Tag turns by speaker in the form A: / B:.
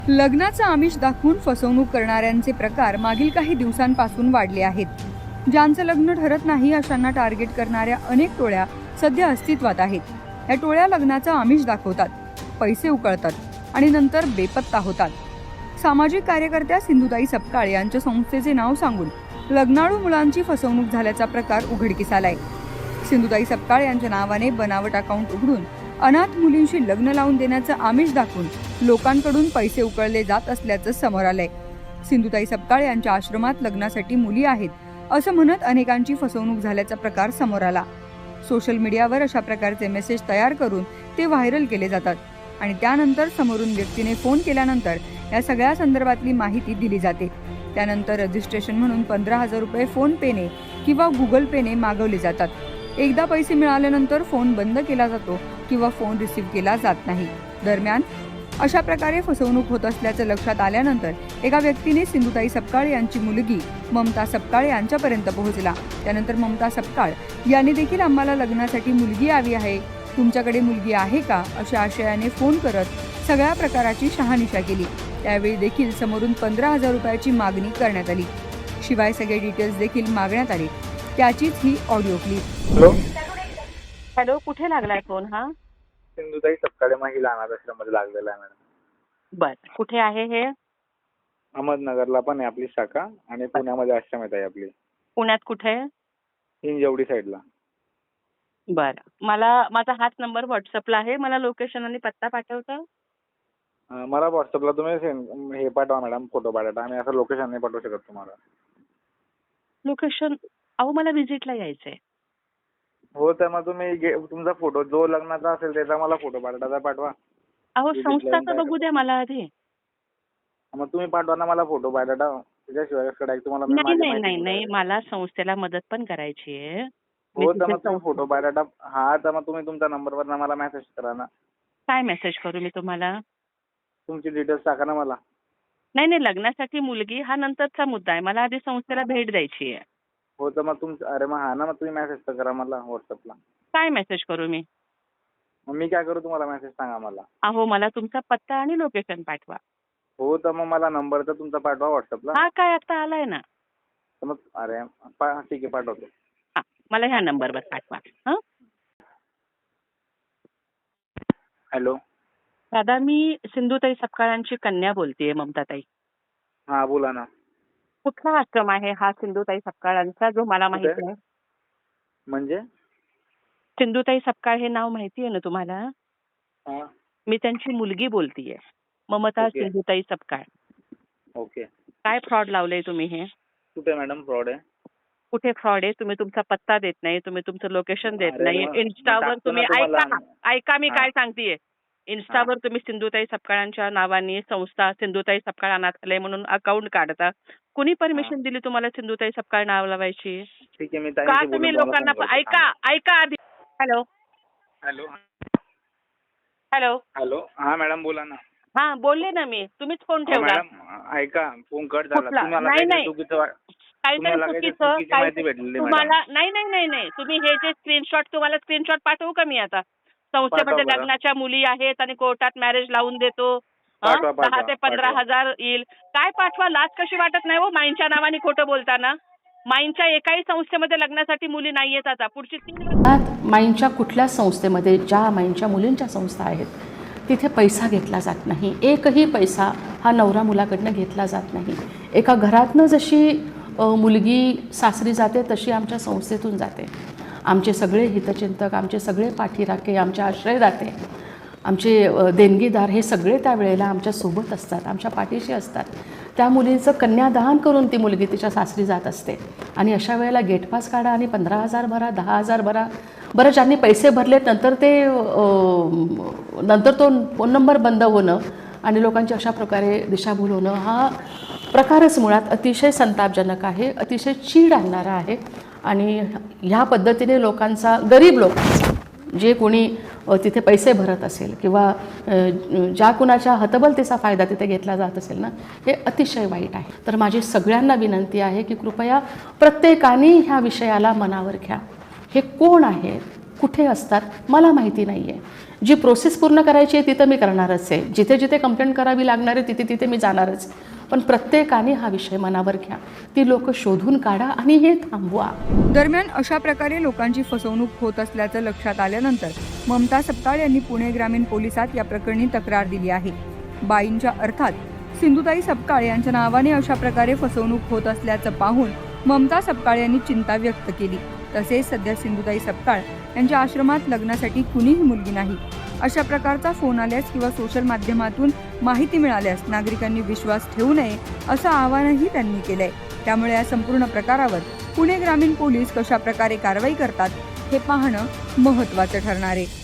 A: लग्नाचं आमिष दाखवून फसवणूक करणाऱ्यांचे प्रकार मागील काही दिवसांपासून वाढले आहेत. ज्यांचं लग्न ठरत नाही अशांना टार्गेट करणाऱ्या अनेक टोळ्या सध्या अस्तित्वात आहेत. या टोळ्या लग्नाचं आमिष दाखवतात, पैसे उकळतात आणि नंतर बेपत्ता होतात. सामाजिक कार्यकर्त्या सिंधुताई सपकाळ यांच्या संस्थेचे नाव सांगून लग्नाळू मुलांची फसवणूक झाल्याचा प्रकार उघडकीस आलाय. सिंधुताई सपकाळ यांच्या नावाने बनावट अकाउंट उघडून अनाथ मुलींशी लग्न लावून देण्याचं आमिष दाखवून लोकांकडून पैसे उकळले जात असल्याचं समोर आलंय. सिंधुताई सपकाळ यांच्या आश्रमात लग्नासाठी मुली आहेत असं म्हणत अनेकांची फसवणूक झाल्याचा प्रकार समोर आला. सोशल मीडियावर अशा प्रकारचे मेसेज तयार करून ते व्हायरल केले जातात आणि त्यानंतर समोरून व्यक्तीने फोन केल्यानंतर या सगळ्या संदर्भातली माहिती दिली जाते. त्यानंतर रजिस्ट्रेशन म्हणून 15,000 रुपये फोन पेने किंवा गुगल पेने मागवले जातात. एकदा पैसे मिळाल्यानंतर फोन बंद केला जातो किंवा फोन रिसीव्ह केला जात नाही. दरम्यान अशा प्रकारे फसवणूक होत असल्याचं लक्षात आल्यानंतर एका व्यक्तीने सिंधुताई सपकाळ यांची मुलगी ममता सपकाळ यांच्यापर्यंत पोहोचला. त्यानंतर ममता सपकाळ यांनी देखील आम्हाला लग्नासाठी मुलगी हवी आहे, तुमच्याकडे मुलगी आहे का अशा आशयाने फोन करत सगळ्या प्रकाराची शहानिशा केली. त्यावेळी देखील समोरून 15,000 रुपयाची मागणी करण्यात आली. शिवाय सगळे डिटेल्स देखील मागण्यात आले. त्याचीच ही ऑडिओ क्लिप.
B: हॅलो
C: हॅलो, कुठे लागलाय फोन हा?
B: सिंधुताई सपकाळे महिला अनाथ आश्रममध्ये लागलेला आहे मॅडम.
C: बर, कुठे आहे हे?
B: अहमदनगरला पण आहे आपली शाखा आणि पुण्यामध्ये आश्रम आहे आपली.
C: पुण्यात कुठे?
B: हिंजवडी साईडला.
C: बर, मला माझा हाच नंबर व्हॉट्सअपला आहे. मला लोकेशन आणि पत्ता पाठवता?
B: मला व्हॉट्सअपला तुम्ही हे पाठवा मॅडम, फोटो पाठवा. आम्ही असं लोकेशन नाही पाठवू शकत तुम्हाला.
C: लोकेशन? अहो, मला व्हिजिटला यायचंय.
B: हो, तर मग तुम्ही तुमचा फोटो जो लग्नाचा असेल त्याचा मला फोटो पाठवा.
C: अहो, संस्थाचं बघू द्या मला आधी.
B: मग तुम्ही पाठवा ना मला फोटो पाठवा. त्याच्याशिवाय तुम्हाला मी
C: नाही
B: माझी
C: नाही
B: माहिती
C: नाही
B: देणार
C: नाही,
B: आहे.
C: मला संस्थेला मदत पण करायची आहे.
B: हो, तर मग तुम्ही फोटो पाठवा. हा, तर मग तुम्ही तुमच्या नंबरवर मला मेसेज करा ना.
C: काय मेसेज करू मी तुम्हाला?
B: तुमची डिटेल्स टाका ना मला.
C: नाही नाही, लग्नासाठी मुलगी हा नंतरचा मुद्दा आहे. मला आधी संस्थेला भेट द्यायची आहे.
B: हो, तर मग अरे मग हा ना, मग तुम्ही मेसेज तर करा मला व्हॉट्सअपला.
C: काय मेसेज करू मी?
B: मग मी काय करू, तुम्हाला मेसेज सांगा मला.
C: अहो, मला तुमचा पत्ता आणि लोकेशन पाठवा.
B: हो, तर मग मला नंबर तर तुमचा पाठवा व्हॉट्सअपला.
C: हा काय आता आलाय ना?
B: तर मग अरे ठीक आहे, पाठवतो.
C: हा, मला ह्या नंबरवर पाठवा. हा,
B: हॅलो.
C: दादा, मी सिंधुताई सपकाळांची कन्या बोलतेय, ममताताई.
B: हा, बोला ना.
C: कुठला आश्रम आहे हा सिंधुताई सपकाळांचा जो मला माहिती आहे?
B: म्हणजे
C: सिंधुताई सपकाळ हे नाव माहिती आहे ना तुम्हाला?
B: हा,
C: मी त्यांची मुलगी बोलतीये, ममता
B: ओके.
C: सिंधुताई सपकाळ.
B: ओके.
C: काय फ्रॉड लावलंय तुम्ही हे?
B: कुठे मॅडम फ्रॉड आहे?
C: कुठे फ्रॉड आहे? तुम्ही तुमचा पत्ता देत नाही, तुम्ही तुमचं लोकेशन देत
B: अरे
C: नाही.
B: मग
C: इन्स्टावर
B: टाकतो
C: तुम्ही
B: ना तुम्हाला.
C: ऐका मी
B: हा.
C: काय सांगतेय. इन्स्टावर तुम्ही सिंधुताई सपकाळांच्या नावाने संस्था सिंधुताई सपकाळ अनाथालय म्हणून अकाउंट काढता. कुणी परमिशन दिली तुम्हाला सिंधुताई सपकाळ नाव लावायची?
B: ठीक आहे, मी
C: का
B: ताईंशी
C: तुम्ही
B: बोलून तुम्हाला
C: लोकांना
B: फोन करतो.
C: ऐका आधी. Hello
B: hello.
C: हॅलो.
B: हॅलो. हा मॅडम, बोला ना.
C: हा, बोलले ना मी. तुम्हीच फोन
B: हो,
C: ठेवला.
B: मॅडम ऐका, फोन कट झाला.
C: कुठला?
B: तुम्हाला
C: नाही,
B: काहीतरी
C: नाही.
B: चुकीचं
C: काहीतरी
B: तुम्हाला काहीतरी
C: चुकीचं
B: चुकीची माहिती भेटलेली
C: तुम्हाला. नाही, तुम्ही हे जे स्क्रीनशॉट पाठवू का मी आता? संस्थेमध्ये
B: पाठवा बरं.
C: लग्नाच्या मुली आहेत आणि कोर्टात मॅरेज लावून देतो.
B: पाठवा,
C: 10 ते 15,000 येईल. काय पाठवा? लाज कशी वाटत नाही हो माईंच्या नावाने खोटं बोलताना? माईंच्या एकाही संस्थेमध्ये लग्नासाठी मुली नाहीयेत आता. पुढची 3 वर्ष
D: माईंच्या कुठल्या संस्थेमध्ये, ज्या माईंच्या मुलींच्या संस्था आहेत तिथे पैसा घेतला जात नाही. एकही पैसा हा नवरा मुलाकडनं घेतला जात नाही. एका घरातनं जशी मुलगी सासरी जाते तशी आमच्या संस्थेतून जाते. आमचे सगळे हितचिंतक, आमचे सगळे पाठीराखे, आमचे आश्रयदाते, आमचे देणगीदार हे सगळे त्यावेळेला आमच्या सोबत असतात, आमच्या पाठीशी असतात. त्या मुलीचं कन्यादान करून ती मुलगी तिच्या सासरी जात असते. आणि अशा वेळेला गेटपास काढा आणि 15,000 भरा, 10,000 भरा. बरं, ज्यांनी पैसे भरलेत नंतर तो फोन नंबर बंद होणं आणि लोकांची अशा प्रकारे दिशाभूल होणं हा प्रकारच मुळात अतिशय संतापजनक आहे, अतिशय चीड आणणारा आहे. आणि ह्या पद्धतीने लोकांचा, गरीब लोकांचा, जे कोणी तिथे पैसे भरत असेल किंवा ज्या कुणाच्या हतबलतेचा फायदा तिथे घेतला जात असेल ना, हे अतिशय वाईट आहे. तर माझी सगळ्यांना विनंती आहे की कृपया प्रत्येकाने ह्या विषयाला मनावर घ्या. हे कोण आहे, कुठे असतात मला माहिती नाही आहे. जी प्रोसेस पूर्ण करायची आहे तिथं मी करणारच आहे. जिथे जिथे कंप्लेंट करावी लागणार आहे तिथे तिथे मी जाणारच. पण प्रत्येकाने हा विषय मनावर घ्या. ती लोक शोधून काढा आणि हे थांबवा.
A: दरम्यान अशा प्रकारे लोकांची फसवणूक होत असल्याचं लक्षात आल्यानंतर ममता सपकाळ यांनी पुणे ग्रामीण पोलिसात या प्रकरणी तक्रार दिली आहे. बाईंच्या अर्थात सिंधुताई सपकाळ यांच्या नावाने अशा प्रकारे फसवणूक होत असल्याचं पाहून ममता सपकाळ यांनी चिंता व्यक्त केली. तसेच सध्या सिंधुताई सपकाळ यांच्या आश्रमात लग्नासाठी कुणीही मुलगी नाही. अशा प्रकारचा फोन आल्यास किंवा सोशल माध्यमातून माहिती मिळाल्यास नागरिकांनी विश्वास ठेवू नये असं आवाहनही त्यांनी केलंय. त्यामुळे या संपूर्ण प्रकारावर पुणे ग्रामीण पोलीस कशा प्रकारे कारवाई करतात हे पाहणं महत्त्वाचं ठरणार आहे.